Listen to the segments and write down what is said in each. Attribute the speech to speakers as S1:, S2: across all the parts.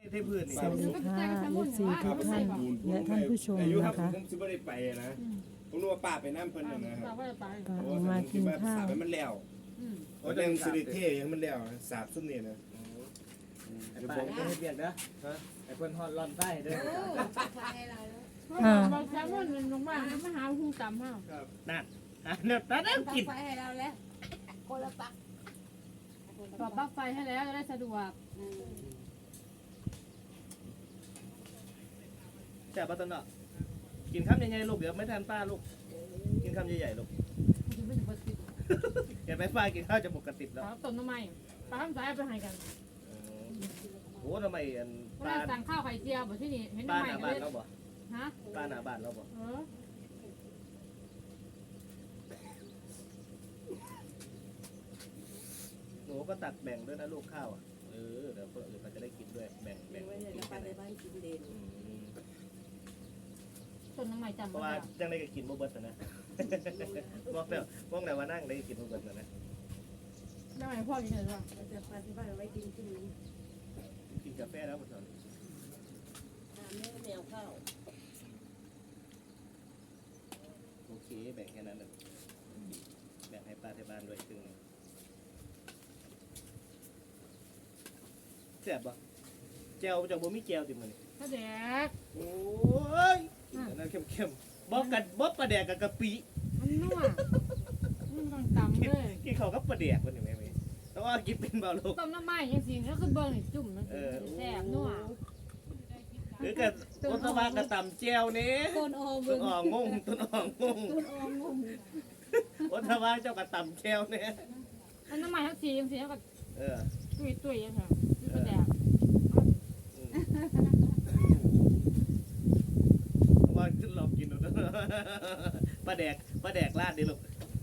S1: เทพื้นนี่
S2: สวัสดีค่ะเอฟซีทุกท่านและท่านผู้ชม
S3: อายุครับ
S2: นะคะ
S3: ผมสิบ่ได้ไปนะผมนึกว่าป้าไปน้ำเพิ่นนะครับ
S4: เราก็จะไป
S2: ก็ออกมากินข้าว
S3: สาบให้มันแล้วเพราะยังสิริเท่ยังมันแล้วสาบซุ่มนี่นะ
S1: ไอ้ป้าก็ให้เบียกนะไอ้คนฮอดร้อนใต้เด้อ
S4: เราแซมมอนลงมามาหาหุ้งต่ำมาก
S1: นั่นนั่นกิน
S5: ไฟให้เราแล้วคนละปัก
S4: ต่อปลั๊กไฟให้แล้วจะได้สะดวก
S1: แซ่บปะตอนเนาะกินข้าวใหญ่ๆลูกเดี๋ยวไม่ทันป้าลูกกินข้าวใหญ่ๆลูก
S4: คุณไม่ถึงปกติ
S1: เห็นไหมป้ากินข้าวจะปกติแล้ว
S4: เราต้มน้ำมันปลาทำสายไปให้กัน
S1: โอ้ทำไมอัน
S4: เวลาสั่งข้าวไข่เจียวแบบที่นี่เห็น
S1: ป้า
S4: น้ำ
S1: ห
S4: มัน
S1: น้าบ้าน
S4: เลย
S1: เราบ่
S4: ฮะ
S1: ป้าหน้าบ้านเราบ่ หนูก็ตักแบ่งด้วยนะลูกข้าวอ่ะเดี๋ยวคนอื่นเขาจะได้กินด้วยแบ่ง
S5: ไว้ใน
S1: กิน
S5: ป้า
S1: ไป
S5: ในบ้านกินเด่น
S4: ต้นน้ำมันจำ
S1: เพราะว่าจังได้ก็กินบ่เบิดนะบอกแล้วบอกแล้วว่านั่งได้กินบ่เบิดนะ
S4: น้ำมันพ่อกินเลยว่า
S5: จะป้าที่บ้านไว้กินที่นี้
S1: กินกาแฟแล้วมันสอน
S5: ตามแมวข้าว
S1: โอเคแบ่งแค่นั้นเลยแบ่งให้ป้าที่บ้านด้วยครึ่งนึงแซ่บปะแจ่วจากบ่มีแจ่วติมัน
S4: ถ้าแดก
S1: โอ้ยนั่นเข้มๆบอกกันบ่ปลาแดกกับกะปิ
S4: มันนัวมันต้องตำเลย
S1: กินข้าวกับปลาแดกมันนี่แม่ต้องว่ากินเป็นเบาลูก
S4: ต้มน้ำมันยังสิแล้วคือเบิ้งจุ่มมันแซ่บนัว
S1: หรือกับต้นตะวันกับตำแจ่วนี่
S5: ต้นออม
S1: ต้นอ่องงงต้นอ่องงง
S5: ต้นออมงง
S1: ต้นตะวันเจ้ากับตำแจ่วนี่
S4: อันน้ำมันทั้งสียังสีแล้วก็
S1: เออ
S4: ตุยยังค่ะคือแดก
S1: ว่าขึ้นลองกินดูนะปลาแดกลาดดิลูก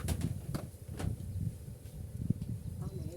S5: เอาไหน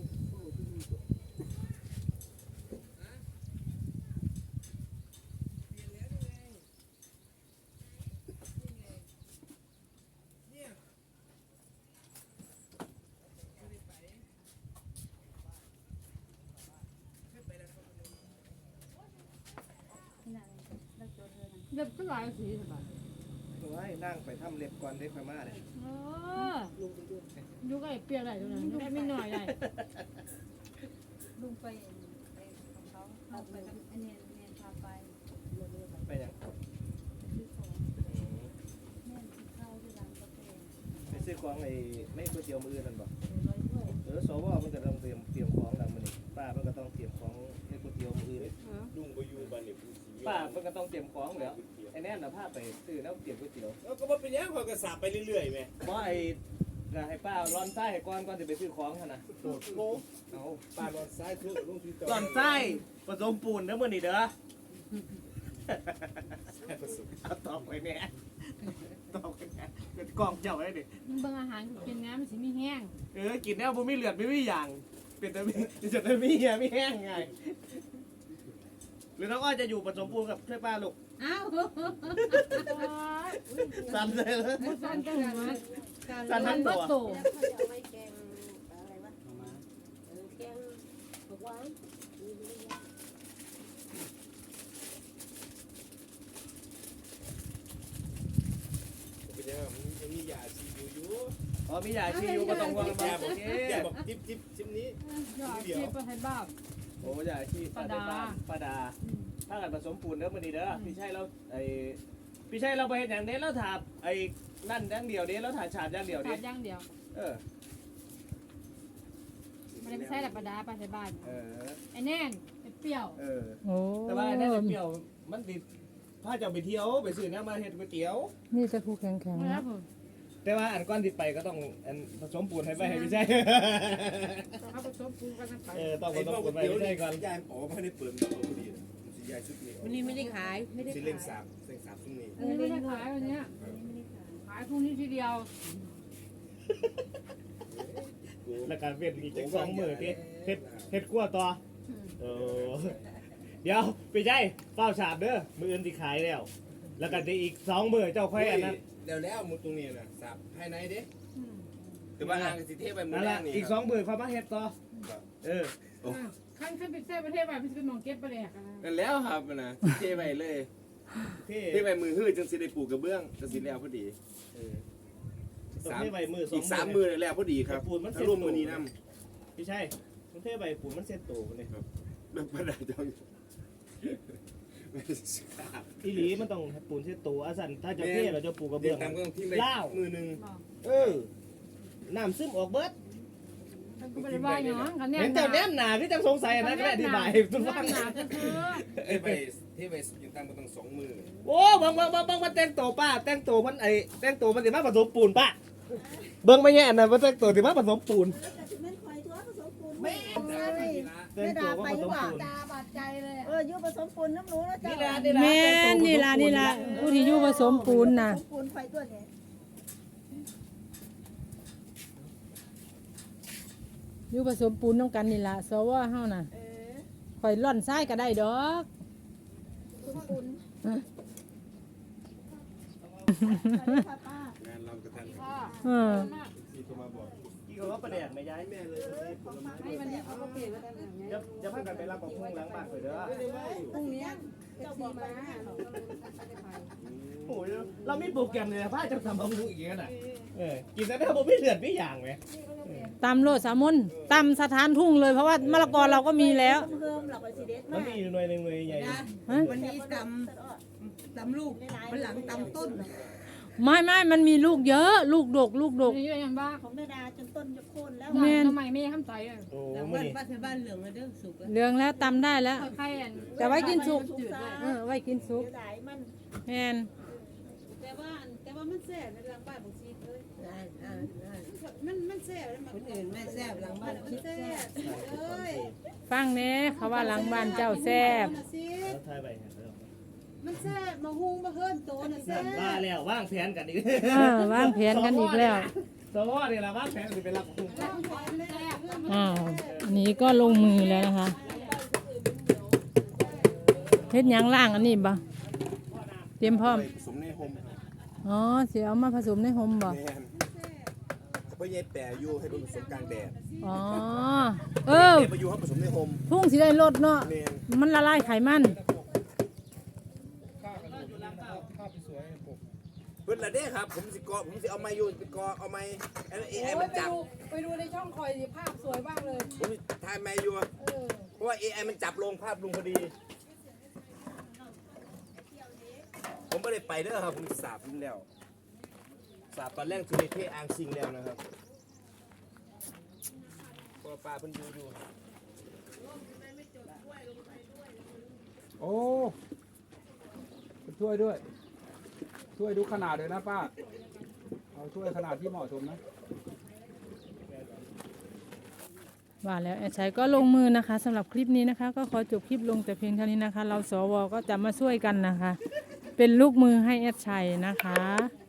S4: เล็บก็หลายสีสบาย
S1: ไว้นั่งไปทำเล็บก่อนได้ค่อยมาเลย
S5: ลุงไปด้วย
S4: ยุกไอ้เปียกได้ตรงนั้นได้ไม่หน่อยได้
S6: ลุงไปของเขาเอาไปกับอันเนียนพาไป
S1: ไปยัง
S6: ซื้อของแม่กินข้าวที่ร้านกาแฟ
S1: ไปซื้อของไอ้ไม่ก๋วยเตี๋ยวมือนั่นบ่
S6: ร้อยถ้วย
S1: สวมันก็ต้องเตรียมของแล้วมื้อนี้ป้ามันก็ต้องเตรียมของให้ก๋วยเตี๋ยวมืออื่น
S3: ลุงบ่อยู่บ้านนี่ผู้สิ
S1: ป้ามันก็ต้องเตรียมของแล้วไอ้แน่นน่ะพาไปซื้อแล้วเตรียมก๋วยเตี๋ยว
S3: แล้วก็บ่เป็นหยังเขาก็สาบไปเรื่อยๆแม่
S1: บ่ไอ้ก็ให้ป้าร้อนไส้ให้ก่อนจะไปซื้อของหั่นน่ะ
S3: โดดโลเอาป้านอนซ้ายทุกลุงที่จอ
S1: ร้อนไส้ผสมปูนเด้อมื้อนี้เด้อเอาตอบไปแม่ตอบไปแม่เป็นกล้องเจ้าไว้ดิ
S4: มึงเบิ่งอาหารกินน้ำมันสิมีแห้ง
S1: กินแล้วบ่มีเลือดไม่มีอย่างเป็นแต่มีจะได้มีเหี้ยมีแห้งไงหรือน้องอ้อยจะอยู่ผสมปูนกับช่วยป้าลูก
S6: อ้าว
S1: สั่นเลยเลย
S4: สั่นจังเลย
S1: สั่นทั้งตัว
S4: โต
S5: แล้วเขาจะเอาไว้แกงอะไรวะแกงผักหวานมีเยอะแยะ
S3: เป็นยังมันมียาชีอยู่
S1: อ๋อมียาชีอยู่ก็ต้องวาง
S3: ยา
S1: โอ
S3: บอก
S1: เค
S3: ยาบอกจิ๊บชิ้นนี้
S4: ยอดชีพให้บ้า
S1: โอ้ยาชีป้าดาถ้ากันผสมปูนเด้อมื้อนี้เด้อพี่ชัยเราพี่ชัยเราไปเฮ็ดหยังเด้เราถาไอ้นั่นอย่างเดียวเด้เราถาฉาบอย่างเดียว
S4: ขา
S1: เด้
S4: ดย่างเดียว
S1: เออ
S4: มันไม่ใช่แบบประดาปลาใส่บ้าน
S1: เออ
S4: ไอ้แน่นไอ้เปรี้ยว
S1: เออ
S2: โอ้
S1: แต่ว่าน่าจะเปรี้ยวมันติดพาเจ้าไปเที่ยวไปซื้อน้ำมาเฮ็ดก๋วยเตี๋ยว
S2: นี่จะคู่แข็ง
S4: ไม่รับผม
S1: แต่ว่าอันก้อนที่ไปก็ต้องอันผสมปูนให้ไปให้พี่ชัย
S4: เขาผสมปูกันไป
S1: ต้องผ
S3: ไอ้
S1: สม
S3: พวก
S1: ปูนไป
S3: เตี๋ยว
S1: ให้
S3: นี่
S1: พี่ชัยก่อน
S3: ยายอ๋อบ่ได้เปิดมันพอดีสิยายชุดนี้
S5: วันนี้ไม่ได้ขายไม่ได้
S3: สิ
S5: ขา
S3: เล่
S5: ย
S3: งสามซุ่มนี้
S4: อันนี้ไม่ได้ขายวันนี้
S6: ไม่ได้ขาย
S4: ขายพรุ่งนี้ทีเดียว
S1: แล้วการเวียนอีกจัก2มื้อติเฮ็ดกลัวต่อเออเดี๋ยวพี่ชัยเฝ้าฉาบเด้อมื้ออื่นสิขายแล้ว แล้วก็ได้อีก2มื้อเจ้าค่อยอันนั้น
S3: แล้วมุดตรงนี้น่ะสาบภายในเด้แต่ว่าทางสิเทไปมื้
S1: นั่
S3: อน แร
S1: ล่ะ
S3: กนี่
S1: อีก2มื้อค่อยมาเฮ็ดต่อเออ
S3: โอ้
S4: ขั้นเป็นเส้ประเทศไปเป็นหมองเก็บไปเลยอ่ะ
S3: นั่นแล้วครับนะเทไปเลย
S1: เท่
S3: เทไปมือหื้อจังสิได้ปลูกกระเบื้องจังสิแล้วพอดี
S1: ต้องเท่ใบมือสอง
S3: อีกสามมือแล้วพอดีครับ
S1: ปูนมัน
S3: ถ้าร่วมมือนี้น
S1: พี่ใช่มันเท่ใบปูนมันเซ็ตโตเลย
S3: ำแบบประดาจังไม่ได้สิครับ
S1: อีหลีมันต้องปูนเซ็ตโตอาสันถ้าจะเท่เราจะปลูกกระ
S3: เดี๋ย
S1: เบื้อง
S3: วตามก็ต้องทิ้งไป
S1: ล่าว
S3: มือหนึ่ง
S1: น้ำซึมออกเบิด
S4: กูไปว่าอย่างนั้นกันเนี่ย
S1: เห็นเจ้าแนมหนาพี่จังสงสัยนะก็ได้อธิบายทุกฟัง
S4: หนาก็คือ
S3: เทไปอยู่ตามก็ต้อง2 มือ
S1: โอ้บางมันแต่งตัวป้าแต่งตัวมันแต่งตัวมันสิมาผสมปูนป้าเบิ่งไม่แย่นะมันแต่งตัวสิมาผสมปูน
S5: แล้วก็จะแม่นคอยตัวผสมปูน
S1: แม่
S5: ไม่
S1: แต่งตัวว่าผสมปูน
S4: ตาบาดใจเลย
S5: อยู่ผสมปูนน้ำหนูนะเจ้า
S2: แม่นนี่ล่ะผู้ที่อยู่ผสมปูนน่ะ
S5: ผสมปูนไฟตัวนี้
S2: อยู่ผสมปูนน้ำกันนี่ล่ะสวเฮาน่ะข่อยร่อนทรายก็ได้ดอก
S5: ผสมปูนป้าง
S3: านเรากระทัน
S4: พ่อ
S2: เออ
S3: ที่เขามาบอก
S1: กี่ก็ว่าประเดี๋ยวไม่ย้ายแม่เลย
S6: ให้วันนี้เขาก็เปลี่ยนมาตั้งแต่ไง
S1: จะพากันไปรับของพุ่งหลังบ้านไปเด้อ
S6: พรุ่งนี้เจ้าบอกมาเราก็เลยไม่ได้ไป
S1: โอ้ยเรามีโปรแกรมเลยนะพาจะทำบำรุงอีกน่ะกินแล้วผมไม่เลือดไม่อย่างไหม
S2: ตำโลดสามนตำสถานทุ่งเลยเพราะว่ามะละกอเราก็มีแล้ว
S5: เพิ่มหลักไปสิเด็ด
S1: มั
S5: มาน ก
S1: มีอยู่หน่วยหนึ่งหน่วยใหญ่
S2: ฮะ
S6: วันนี้ตำลูกวันหลังตำต้น
S2: ไม่มันมีลูกเยอะลูกดก
S4: นี่ยังบ้า
S5: ของแม่ดาจนต้นจะโค่นแล้ว
S2: แม่น
S4: ทำไมไม่ทำใจอ่ะ
S1: โอ้
S6: แต่
S1: มื่อ
S6: บ้าน
S1: นี้
S6: ป้าที่บ้านเหลืองอะเด้อสุกแล้ว
S2: เหลืองแล้วตำได้แล้ว
S4: ใครอ่ะ
S2: แต่ไว้กินสุกไว้กินสุก
S5: เดี๋ยวได้มัน
S2: แม่น
S6: แต่ว่ามันแซ่บในหลังบ้านของซีเลยมันแซ่บแล้วคนอื่นไม่แซ่บหลังบ้านมันแซ่บเอ้ย
S2: ฟังแหน่เขาว่าหลังบ้านเจ้าแซ่บ
S1: แล้วทายไป
S6: มันแซ่บมาหุงมาเฮิรนโตน่ะแซ่บ
S1: ว่าแล้วว่างแผนกันอีก
S2: วางแผนกันอีกแล้ว
S1: สวอนี่แหละว่างแผนจะไปรับของ
S2: อ้าวอันนี้ก็ลงมือแล้วนะคะเฮ็ดหยังล่างอันนี้บ่เตรียมพร้อม
S3: ผสมในโฮม
S2: อ๋อสิเอามาผสมในห่มบ่
S3: แมนเพราะยายแปรอยู่ให้เป็นผสมกลางแดด
S2: อ๋อเออ
S3: ไปอยู่ให้ผสมในโฮม
S2: พุ่งสิได้ลดเนาะ
S3: แมน
S2: มันละลายไขมัน
S3: เพิ่นละเด้ครับผมสิเอาไม้อยู่ไปกอเอาไม้ไอ้มันจับ
S6: ไปดูในช่องคอยภาพสวยมากเลย
S3: ผมถ่ายไม้อยู่เพราะว่า AI มันจับลงภาพลงพอดี ผมไม่ได้ไปเด้อครับผมสาบทิ้งแล้วสาบตอนแรกคือในเทอ่างซิงแล้วนะครับเพราะว่าปลาเพิ่นอยู่
S7: โอ้ช่วยด้วย ช่วยดูขนาดเลยนะป้า เอาช่วยขนาดที่เหมาะสมนะ
S2: ว่าแล้วแอดชัยก็ลงมือนะคะสำหรับคลิปนี้นะคะ ก็ขอจบคลิปลงแต่เพียงเท่านี้นะคะ เราสวก็จะมาช่วยกันนะคะ เป็นลูกมือให้แอดชัยนะคะ